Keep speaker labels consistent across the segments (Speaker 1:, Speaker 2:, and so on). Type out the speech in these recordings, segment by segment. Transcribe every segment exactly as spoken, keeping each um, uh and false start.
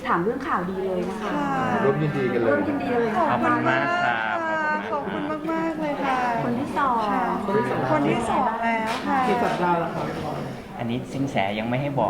Speaker 1: ถามเรื่องข่าวดีเลยนะคะ
Speaker 2: ร่วมยินดีกันเลย
Speaker 1: ร่วมยินดีเลย
Speaker 3: ขอบคุณมากครับ
Speaker 4: ขอบคุณมากๆเลยค่ะ
Speaker 1: คนที่สอง
Speaker 4: คนที่สองแล้วค่ะ
Speaker 2: กี่สัปดาห์แล้วครับ
Speaker 3: อันนี้สินแสยังไม่ให้บอก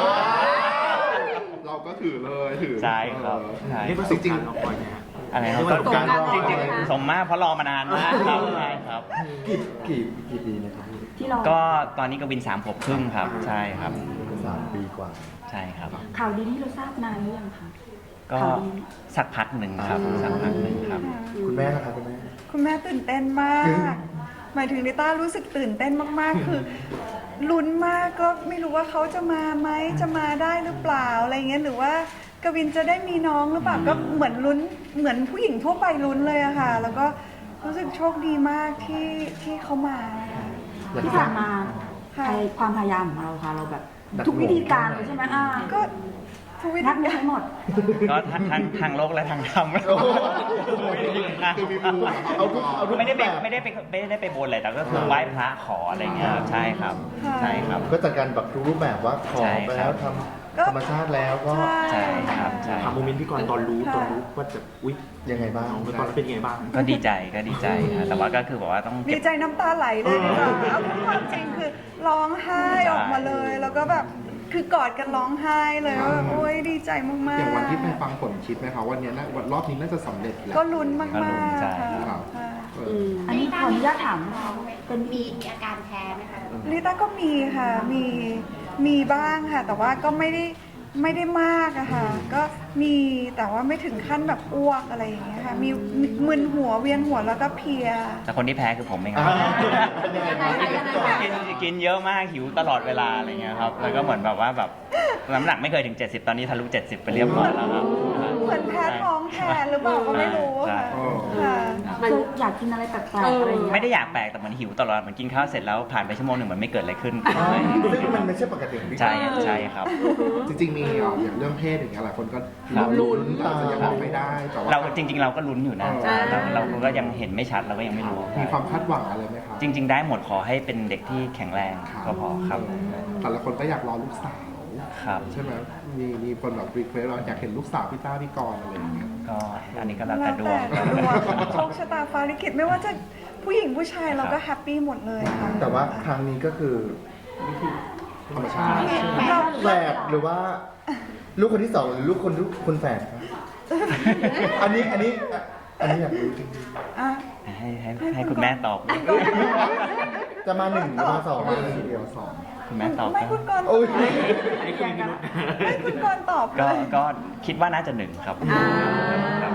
Speaker 2: เราก็ถือเลยถือ
Speaker 3: ใช่ครับใช่
Speaker 2: นี่ประสบการณ์เราปล่อยเนี่ย
Speaker 3: อะไรครับ
Speaker 2: นี่ประสบการณ์เรา
Speaker 3: จริงๆสมมากเพราะรอมานานมากครับใช่ครับ
Speaker 2: กี่กี่กี่ปีนะครับพี่
Speaker 1: ที่เรา
Speaker 3: ก็ตอนนี้กวินสามขวบครึ่งครับ ใช่ครับ
Speaker 2: สามปีกว่า
Speaker 3: ใช่ครับ
Speaker 1: ข่าวดีที่เราทราบนานหรือยังคะ
Speaker 3: ก็
Speaker 1: ข่าวดี
Speaker 3: สักพักหนึ่งครับสักพักหนึ่งครับ
Speaker 2: คุณแม่นะครับคุณแม่
Speaker 4: คุณแม่ตื่นเต้นมาก หมายถึงลิต้ารู้สึกตื่นเต้นมากๆ คือลุ้นมากก็ไม่รู้ว่าเขาจะมาไหมจะมาได้หรือเปล่าอะไรเงี้ยหรือว่ากวินจะได้มีน้องหรือเปล่าก็เหมือนลุ้นเหมือนผู้หญิงทั่วไปลุ้นเลยอะค่ะ แล้วก็รู้สึกโชคดีมากที่ที่เขามาค่ะ
Speaker 1: ที่ผ่านมา
Speaker 4: ค่ะ
Speaker 1: ใครความพยายามของเราค่ะเราแบบ ทุกวิธีการเลยใช่ไหมอ่า
Speaker 4: ก็ทุกวิ
Speaker 1: นั
Speaker 4: ธี
Speaker 1: บไม่
Speaker 4: การ
Speaker 1: ทั้งหมด
Speaker 3: ก็ทั้งทั้งทางโลกและทางธรรม
Speaker 2: โอ้โห คือมีมูลเอาทุกเอาทุก
Speaker 3: ไม่ได้ไป
Speaker 2: แบบ
Speaker 3: ไม่ได้ไปไม่ได้ไปบนอะไรแต่ก็คือไหว้พระขออะไรเงี้ยครับใช่ครับ ใช่ครับ
Speaker 2: ก็จัดการแบบทุกรูปแบบว่าขอ
Speaker 3: ใช่
Speaker 2: ไป
Speaker 3: ครั
Speaker 2: แล้ว
Speaker 3: บ
Speaker 2: ทำธรรมชาติแล้วก็
Speaker 3: ใช่ครับใช่
Speaker 5: ถามโมเมนต์พี่กรณ์ตอนรู้ตอนรู้ว่าจะอุ๊ย
Speaker 2: ยังไงบ้าง
Speaker 5: น้องตอนนั้นเป็นยังไงบ้าง
Speaker 3: ก็ดีใจก็ดีใจครับแต่ว่าก็คือบอกว่าต้อง
Speaker 4: ดี
Speaker 3: เก็บ
Speaker 4: ใจน้ำตาไหลเลยดีกว่าเอาพูดความจริงคือร้องไห้ออกมาเลย แล้วก็แบบคือกอดกันร้องไห้เลยว่าแบบโอ๊ยดีใจมากๆ
Speaker 2: อย่างวันที่ไปฟังผลคิดไหมคะว่าเนี้ยนะวันรอบนี้น่าจะสำเร็จแล้ว
Speaker 4: ก็ลุ้นมาก
Speaker 3: ก็ลุ้น
Speaker 4: ๆ
Speaker 3: ใช่
Speaker 4: ค่ะ
Speaker 2: ครับ
Speaker 4: ค่ะ
Speaker 2: เอ
Speaker 1: อื
Speaker 2: อ
Speaker 1: มอันนี้ขออนุญาตถามเป็น
Speaker 6: มีมีอาการแพ้ไหมคะ
Speaker 4: ลิต้าก็มีค่ะ มี มีบ้างค่ะ แต่ว่าก็ไม่ได้ ไม่ได้มากอะค่ะ ก็มี แต่ว่าไม่ถึงขั้นแบบอ้วกอะไรอย่างเงี้ยค่ะ มีมึนหัว เวียนหัว แล้วก็เพลีย
Speaker 3: แต่คนที่แพ้คือผมเองค
Speaker 2: อ่า
Speaker 3: รับ
Speaker 2: เป็นยังไงบ้าง
Speaker 3: กินกินเยอะมากหิวตลอดเวลาอะไรเงี้ยครับแล้วก็เหมือนแบบว่าแบบน้ำหนักไม่เคยถึง เจ็ดสิบ ตอนนี้ทะลุ เจ็ดสิบ ไปเรียบร้อยแล้วครับ
Speaker 4: เหมือนแพ้ท้องแทนหรือเปล่าก็ไม่รู้
Speaker 3: ใช่
Speaker 4: ค่ะ ค่ะ
Speaker 1: เคยอยากกินอะไรแปลกๆอะไรอย่างเงี้ย
Speaker 3: ไม่ได้อยากแปลกแต่เหมือนหิวตลอดเหมือนกินข้าวเสร็จแล้วผ่านไปชั่วโมงหนึ่งเหมือนไม่เกิดอะไรขึ้น
Speaker 2: ซึ่งมันไม่ใช่ปกติของพี่
Speaker 3: ใช่ใช่ครับ
Speaker 2: จริงๆมีอ่ะอย่างเรื่องเพศอย่างเงี้ยหลายคนก็
Speaker 3: ครับ
Speaker 2: ลุ้นแต่อาจจะยังบอกไม่ได้แต่ว่า
Speaker 3: เราจริง ๆ เราก็ลุ้นอยู่นะ
Speaker 2: อ่า
Speaker 3: เราเราก็ยังเห็นไม่ชัดเราก็ยังไม่รู้
Speaker 2: มีความคาดหวังอะไรไหมครับ
Speaker 3: จริง ๆ ได้หมดขอให้เป็นเด็กที่แข็งแรงก็พอครับ
Speaker 2: แต่ละคนก็อยากรอลูกสาว
Speaker 3: ครับ
Speaker 2: ใช่ไหมมีมีคนแบบรีเควสเราอยากเห็นลูกสาวพี่ต้าพี่กรณ์อะไรอย่างเงี้ย
Speaker 3: ก็อันนี้ก็แล้ว
Speaker 4: แล้
Speaker 3: แต่
Speaker 4: ว
Speaker 3: ดว
Speaker 4: แต่
Speaker 3: ง
Speaker 4: ดวงโชคชะตาฟ้าลิขิตไม่ว่าจะผู้หญิงผู้ชายเราก็แฮปปี้หมดเลยค่ะ
Speaker 2: แต่ว่าครั้งนี้ก็คือธรรมชาติ
Speaker 4: เรา
Speaker 2: แฝดหรือว่า ลูกคนที่สองหรือลูกคนลูกคนแฝดครับอันนี้อันนี้อันนี้อยากรู้จริง
Speaker 4: อ่ะ
Speaker 3: ให้ให้ให้คุณแม่ตอบ
Speaker 2: ๆจะมาหนึ่งหรือมาสองมาทีเดียวสอง
Speaker 3: คุณแม่ตอบ
Speaker 4: ไม่คุณกรณ์
Speaker 2: โอ้ย
Speaker 5: อันนี้คือมีพิรุธ
Speaker 4: ไม่คุณกรณ์ตอบเล
Speaker 3: ก็
Speaker 4: ย
Speaker 3: ก็คิดว่าน่าจะหนึ่งครับครับ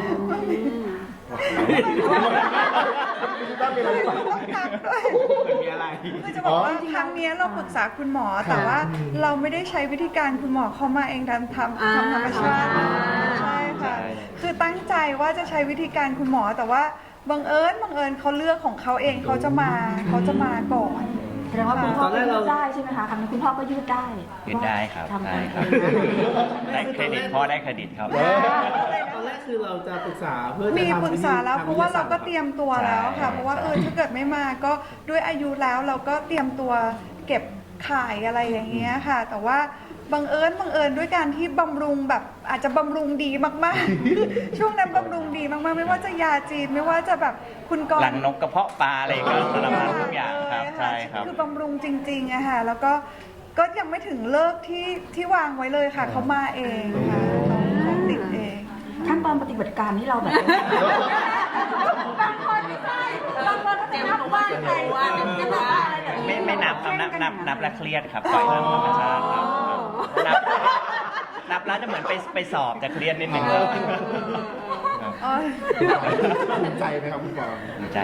Speaker 2: ต้าเป็นอะไรต่อ
Speaker 4: ต้องทักด้วย
Speaker 5: มีอะไร
Speaker 4: คือจะบอกว่าครั้งเนี้ยเราปรึกษาคุณหมอ แต่ว่าเราไม่ได้ใช้วิธีการคุณหมอเข้ามาเองทำทำทำธรรมชาติใช่ค่ะ คือตั้งใจว่าจะใช้วิธีการคุณหมอ แต่ว่าบังเอิญบังเอิญเขาเลือกของเขาเองเขาจะมาเขาจะมาก่อน
Speaker 1: แสดงว่าคุณพ่อก็ยืดได้ใช่ไหมคะครั้งนี้คุณพ่อก็ยืดได้
Speaker 3: ยืดได้ครับ
Speaker 1: ทำ
Speaker 3: ได้ครับ ได้เครดิตพ่อได้เครดิตครับ
Speaker 5: ตอนแรกคือเราจะปรึกษาเพื่อจะ
Speaker 4: มี
Speaker 5: ทำ
Speaker 4: ปรึกษาแล้วเพราะว่าเราก็เตรียมตัวแล้วค่ะ
Speaker 3: ใช่
Speaker 4: เพราะว่าเออถ้าเกิดไม่มาก็ด้วยอายุแล้วเราก็เตรียมตัวเก็บขายอะไรอย่างเงี้ยค่ะ แต่ว่าบังเอิญบังเอิญด้วยการที่บำรุงแบบอาจจะบำรุงดีมากๆ ช่วงนั้นบำรุงดีมากๆ ไม่ว่าจะยาจีนไม่ว่าจะแบบคุณกร
Speaker 3: หลังนกกระเพาะปลาอะไรก็สารพัดทุกอย่างครับ
Speaker 4: เลยะ
Speaker 3: ใช่ครับ
Speaker 4: คือบำรุงจริงๆอะค่ะแล้วก็ก็ยังไม่ถึงเลิกที่ที่วางไว้เลยค่ะเขามาเองค่ะเขาติดเอง
Speaker 1: ขั้นตอนปฏิบัติการที่เราแบบบางคนไม่ใช่บางคนก็จะนับว่าใครว่าจะบอกว่าอะไรแบบ
Speaker 3: ไม่ไม่นับครับนับนับนับแล้วเครียดครับปล่อยตามธรรมชาติครับนับนับแล้วจะเหมือนไปไปสอบจะเครียดนิดนึงครับครับ
Speaker 4: อ๋อ
Speaker 2: ภูมิใจไหมครับคุณกรณ์
Speaker 3: ดีใจ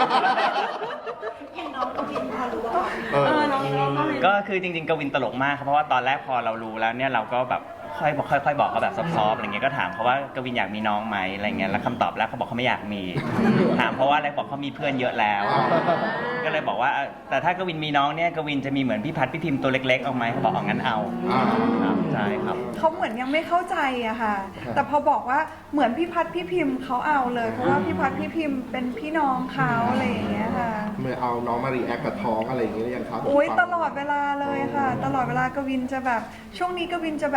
Speaker 6: อย่างน้องกวินพอรู้ว่า
Speaker 2: เออ
Speaker 3: ก็คือจริงๆกวินตลกมากครับเพราะว่าตอนแรกพอเรารู้แล้วเนี่ยเราก็แบบค่อยบอกค่อยๆบอกเขาแบบซอฟๆอะไรเงี้ยก็ถามเขาว่ากวินอยากมีน้องไหมอะไรเงี้ยแล้วคำตอบแรกเขาบอกเขาไม่อยากมี ถามเพราะว่าอะไรบอกเขามีเพื่อนเยอะแล้ว ก็เลยบอกว่าแต่ถ้ากวินมีน้องเนี่ยกวินจะมีเหมือนพี่พัดพี่พิมพ์ตัวเล็กๆเอาไหมเขาบอกเอางั้นเอา
Speaker 2: อ่า
Speaker 3: ครับใช่ครับ
Speaker 4: เขาเหมือนยังไม่เข้าใจอะค่ะ แต่พอบอกว่าเหมือนพี่พัดพี่พิมพ์เขาเอาเลย เพราะว่าพี่พัดพี่พิมพ์เป็นพี่น้องเขาอะไรอย่างเงี้ยค่ะ
Speaker 2: เมื่อเอาน้องมารีแอคกับท้องอะไรอย่างเงี้ยหรือยังครับ
Speaker 4: โอ้ยตลอดเวลาเลยค่ะ ตลอดเวลากวินจะแบบช่วงนี้กวินจะแบบ gentle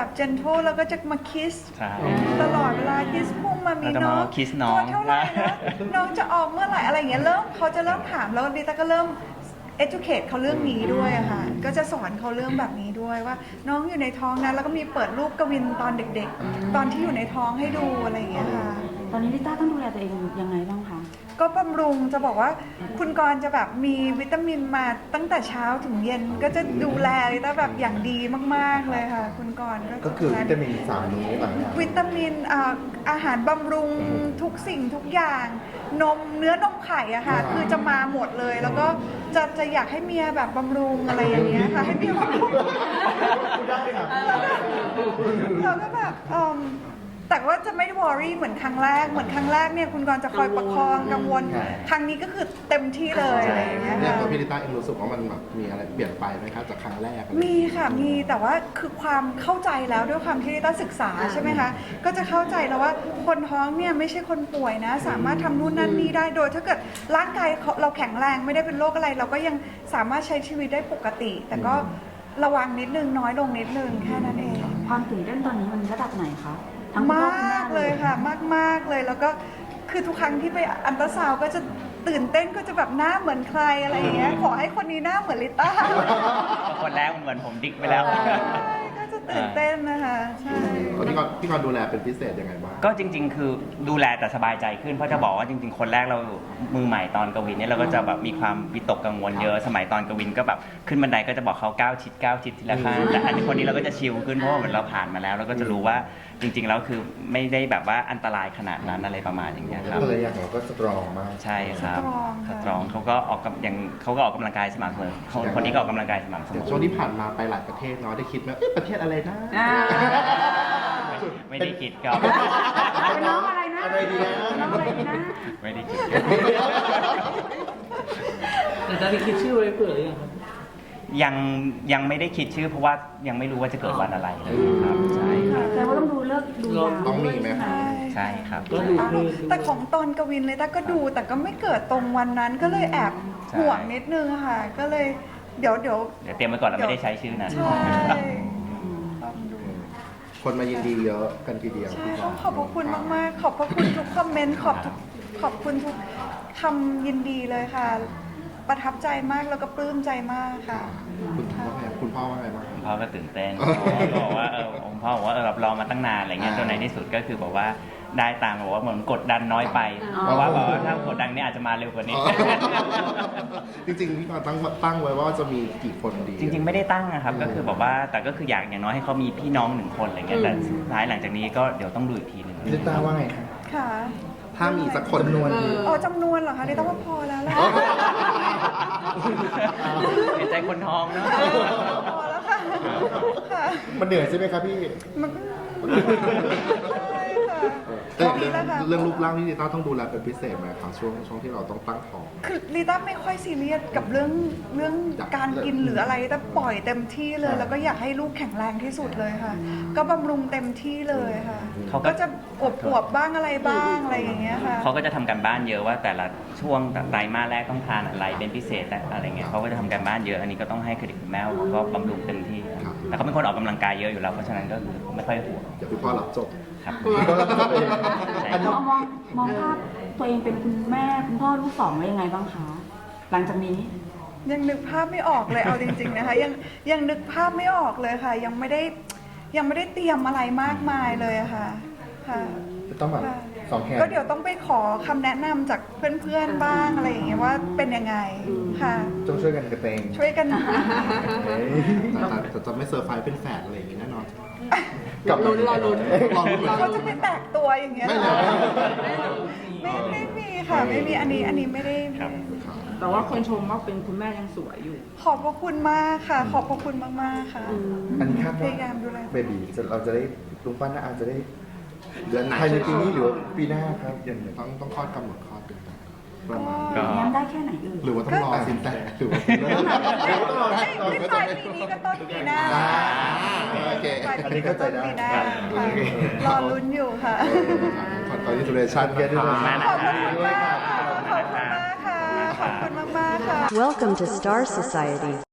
Speaker 4: gentle แล้วก็จะมา kiss
Speaker 3: ใช่
Speaker 4: ตลอดเวลา kiss พุ่งมามี
Speaker 3: เราจะมา
Speaker 4: น้อง
Speaker 3: kiss น้อง
Speaker 4: ตัวเท่าไหร่นะ น้องจะออกเมื่อไหร่อะไรอย่างเงี้ยเริ่มเขาจะเริ่มถามแล้วดิต้าก็เริ่ม educate เขาเรื่องนี้ด้วยอะค่ะก็จะสอนเขาเรื่องแบบนี้ด้วยว่าน้องอยู่ในท้องนะแล้วก็มีเปิดรูปกวินตอนเด็กๆ ตอนที่อยู่ในท้องให้ดูอะไรอย่างเงี้ยค่ะ
Speaker 1: ตอนนี้ลิต้าต้องดูแลตัวเองยังไงบ้างคะ
Speaker 4: ก็บำรุงจะบอกว่าคุณกรณ์จะแบบมีวิตามินมาตั้งแต่เช้าถึงเย็นก็จะดูแลลิต้าแบบอย่างดีมากๆเลยค่ะ คุณกรณ์
Speaker 2: ก็คือวิตามินสามนี้หลังจาก
Speaker 4: วิตามินอ่าอาหารบำรุงทุกสิ่งทุกอย่าง นมเนื้อนมไข่อะค่ะ คือจะมาหมดเลย แล้วก็จะจะอยากให้เมียแบบบำรุงอะไรอย่างเงี้ยค่ะให้เมียบำรุง
Speaker 2: ได้ค่ะ
Speaker 4: เราก็แบบเอิ่มแต่ว่าจะไม่ได้วอรี่เหมือนครั้งแรก เหมือนครั้งแรกเนี่ยคุณกรณ์จะคอยประคองกังวล ครั้งนี้ก็คือเต็มที่เลยอะไรอย่างเงี้ย
Speaker 7: เนี่ย
Speaker 4: ค่ะ
Speaker 7: ตัวพี่ลิต้าเองรู้สึกว่ามันแบบมีอะไรเปลี่ยนไปไหมครับจากครั้งแรกอะไร
Speaker 4: มีค่ะ มี แต่ว่าคือความเข้าใจแล้วด้วยความที่ลิต้าศึกษาใช่ไหมคะ ก็จะเข้าใจแล้วว่าคนท้องเนี่ยไม่ใช่คนป่วยนะ สามารถทำนู่นนั่นนี่ได้ โดยถ้าเกิดร่างกายเราแข็งแรงไม่ได้เป็นโรคอะไร เราก็ยังสามารถใช้ชีวิตได้ปกติ แต่ก็ระวังนิดนึงน้อยลงนิดนึงแค่นั้นเอง
Speaker 1: ความตื่นเต้นตอนนี้มันระดับไหนคะทั้งคุณ
Speaker 4: ม
Speaker 1: พ่อคุณ
Speaker 4: า
Speaker 1: แม่
Speaker 4: กเลยค่ะ มากๆเลยแล้วก็คือทุกครั้งที่ไปอันตราซาวด์ก็จะตื่นเต้นก็จะแบบหน้าเหมือนใครอะไรอย่างเงี้ยขอให้คนนี้หน้าเหมือนลิต้า
Speaker 3: คนแรกมันเหมือนผมดิกไปแล้ว
Speaker 4: ใช่ก็จะตื่นเต้นนะคะใช่
Speaker 7: คนที่ก่อนพี่ก่อนดูแลเป็นพิเศษยังไงบ้าง
Speaker 3: ก็จริง ๆ คือดูแลแต่สบายใจขึ้นเพราะจะบอกว่าจริง ๆ คนแรกเรามือใหม่ตอนกวินเนี่ยเราก็จะแบบมีความวิตกกังวลเยอะสมัยตอนกวินก็แบบขึ้นบันไดก็จะบอกเขาก้าวชิดก้าวชิดทีละขั้นแต่อันนี้คนนี้เราก็จะชิลขึ้นเพราะว่าเหมือนเราผ่านมาแล้วเราก็จะรู้ว่าจริง ๆ แล้วคือไม่ได้แบบว่าอันตรายขนาดนั้นอะไรประมาณอย่างเงี้ยครับ
Speaker 2: ภรรยาของเราก็สตรองมาก
Speaker 3: ใช่ครับ
Speaker 4: สตรองค่ะ
Speaker 3: สตรองเขาก็ออกกำยังเขาก็ออกกำลังกายสม่ำเสมอคนคนนี้ก็ออกกำลังกายสม่ำเสมอ
Speaker 7: ช่วงที่ผ่านมาไปหลายประเทศเนาะได้คิดไหมเอ๊ะประเทศอะไรนะ
Speaker 1: อ่า
Speaker 3: ไม่ได้คิดครับ
Speaker 1: เป็นน้องอะไรนะ
Speaker 2: อะไรดีนะ
Speaker 1: น้องอะไรดีนะ
Speaker 3: ไม่ได้คิด
Speaker 5: แต่ตอนนี้คิดชื่อไว้เผื่อหรือยังครับ
Speaker 3: ยังยังไม่ได้คิดชื่อเพราะว่ายังไม่รู้ว่าจะเกิดวันอะไรครับใช่ครับ
Speaker 1: แต่ว่าต้องดูเลิกษ์ดูยาม
Speaker 7: ต้องมีไหมครับ
Speaker 3: ใช่ครับ
Speaker 5: ก็ดูคลื่น
Speaker 4: แต่ของตอนกวินเลยต้าก็ดูแต่ก็ไม่เกิดตรงวันนั้นก็เลยแอบ
Speaker 3: ใช่
Speaker 4: ห่วงนิดนึงค่ะ ก็เลยเดี๋ยวเดี๋ยว
Speaker 3: เดี๋ยวเตรียมไว้ก่อนเราไม่ได้ใช้ชื่อนั้น
Speaker 4: ใช่ลองดู
Speaker 7: คนมายินดีเยอะกันทีเดียว
Speaker 4: ใช่
Speaker 7: พี่ก่
Speaker 4: ต้
Speaker 7: อ
Speaker 4: อน งขอบพระคุณมาก ๆ ขอบพระคุณทุกคอมเมนต์ขอบทุกขอบคุณทุกคำยินดีเลยค่ะ ประทับใจมากแล้วก็ปลื้มใจมากค่ะ
Speaker 7: คุณพ่อว่าไงคุณพ่อว่าไงบ้าง
Speaker 3: คุณพ่อก็ตื่นเต้นบอกว่าเออคุณพ่อบอกว่าเออแบบรอมาตั้งนานอะไรเงี้ยจนในที่สุดก็คือบอกว่าได้ตามบอกว่าเหมือนกดดันน้อยไป เพราะว่าบอกว่าถ้ากดดันเนี่ยอาจจะมาเร็วกว่านี้
Speaker 7: จริงๆพี่ก่อนตั้งตั้งไว้ว่าจะมีกี่คนดี
Speaker 3: จริง ๆ ไม่ได้ตั้งนะครับก็คือแบบว่าแต่ก็คืออยากอย่างน้อยให้เขามีพี่น้องหนึ่งคนอะไรเงี้ยแต่สุดท้ายหลังจากนี้ก็เดี๋ยวต้องดูอีกทีหนึ่ง
Speaker 2: ลิต้าว่าไงคะ
Speaker 4: ค่ะ
Speaker 7: ถ้ามีสักคน
Speaker 2: จำนวน
Speaker 4: อ๋อจำนวนเหรอคะนี่ต้องว่าพอแล้วแหละ
Speaker 3: เห็นใจคนท้องเนาะ
Speaker 4: พอแล้วค่ะค่ะ
Speaker 2: มันเหนื่อยใช่ไหมครับพี่
Speaker 4: มันใช่ค่ะ
Speaker 7: แต่
Speaker 4: พอ
Speaker 7: เรื่
Speaker 4: แล้
Speaker 7: อง
Speaker 4: วค่ะ
Speaker 7: เรื่องรูปร่างที่ลิต้าต้องดูแลเป็นพิเศษไหมครับช่วงช่วงที่เราต้องตั้งท้อง
Speaker 4: คือลิต้าไม่ค่อยซีเรียสกับเรื่องเรื่องการกินหรืออะไรแต่ปล่อยเต็มที่เลย แล้วก็อยากให้ลูกแข็งแรงที่สุดเลยค่ะ ก็บำรุงเต็มที่เลยค่ะ
Speaker 3: เขาก็
Speaker 4: ก็จะอวบอวบๆบ้างอะไรบ้างอะไรอย่างเงี้ยค่ะ
Speaker 3: เขาก็จะทำการบ้านเยอะว่าแต่ละช่วงไตรมาสแรกต้องทานอะไรเป็นพิเศษและอะไรเงี้ยเขาก็จะทำการบ้านเยอะอันนี้ก็ต้องให้เครดิตคุณแม่เขาก็บำรุงเต็มที่
Speaker 7: ครับ
Speaker 3: แต่เขาเป็นคนออกกำลังกายเยอะอยู่แล้วเพราะฉะนั้นก็คือไม่ค่อยห่วง
Speaker 7: เดี๋ยวพี่พ่อรับจบ
Speaker 3: ครับ
Speaker 2: อันนี้
Speaker 1: มองมองมองภาพตัวเองเป็นคุณแม่คุณพ่อลูกสองแล้วยังไงบ้างคะ หลังจากนี้
Speaker 4: ยังนึกภาพไม่ออกเลยเอาจริง ๆนะคะ ยังยังนึกภาพไม่ออกเลยค่ะ ยังไม่ได้ยังไม่ได้เตรียมอะไรมากมายเลยอะค่ะค่ะ
Speaker 2: จะต้องแบบ
Speaker 4: ค่ะ
Speaker 2: สองแขน
Speaker 4: ก็เดี๋ยวต้องไปขอคำแนะนำจากเพื่อนๆบ้างอะไรอย่างเงี้ยว่าเป็นยังไงค่ะ
Speaker 2: ต้องช่วยกันกระเตง
Speaker 4: ช่วยกัน
Speaker 2: เฮ้ย
Speaker 7: แต่แต่แต่จะไม่เซอร์ไพรส์เป็นแฝดอะไรอย่างงี้แน่นอน
Speaker 2: กลับมา
Speaker 6: ลุ้นรอลุ้น
Speaker 7: รอลุ้นเหมือนกั
Speaker 4: เขา
Speaker 7: น
Speaker 4: จะไปแตกตัวอย่างเงี้ย
Speaker 7: ไม่
Speaker 4: เหร
Speaker 7: เล
Speaker 4: อย ไม่ไม่มีค่ะ ไม่มีอันนี้อันนี้ไม่ได้
Speaker 3: ครับ
Speaker 6: แต่ว่าคนชมว่าเป็นคุณแม่ยังสวยอยู่
Speaker 4: ขอบพระคุณมากค่ะ ขอบพระคุณมากๆค่ะ
Speaker 2: อันนี้คาด
Speaker 4: พ
Speaker 2: ว่าย
Speaker 4: ายามดูแล
Speaker 2: เบบีจะเราจะได้ลุงปั้นน่าอาจจะได้
Speaker 7: เดือนไหน
Speaker 2: ภายในปีนี้หรือว่าปีหน้าครับอย่างไร
Speaker 7: ต้องต้องคลอดกำหนดคลอดเป็นประมาณ
Speaker 3: ก็
Speaker 1: ย้ำได้แค่ไหนเอ่ย
Speaker 7: หรือว่าต้องรอสินแต่หรือว่าเริ่ม
Speaker 4: ไม่ไม่ปลายปีนี้ก็ต้นปีหน้า
Speaker 7: โอเค
Speaker 4: ปลายปีนี้ก็ต้นปีหน้าค่ะรอลุ้นอยู่ค่ะ
Speaker 7: คอนเทนต์ชันกันด้วย
Speaker 3: ขอบคุณมาก
Speaker 4: ข
Speaker 3: นะ
Speaker 4: อบ
Speaker 3: ครั
Speaker 4: คุณ
Speaker 3: บ
Speaker 4: มากค่ะ ขอบคุณมากค่ะ ขอบคุณมากๆค่ะ
Speaker 8: Welcome to Star Society.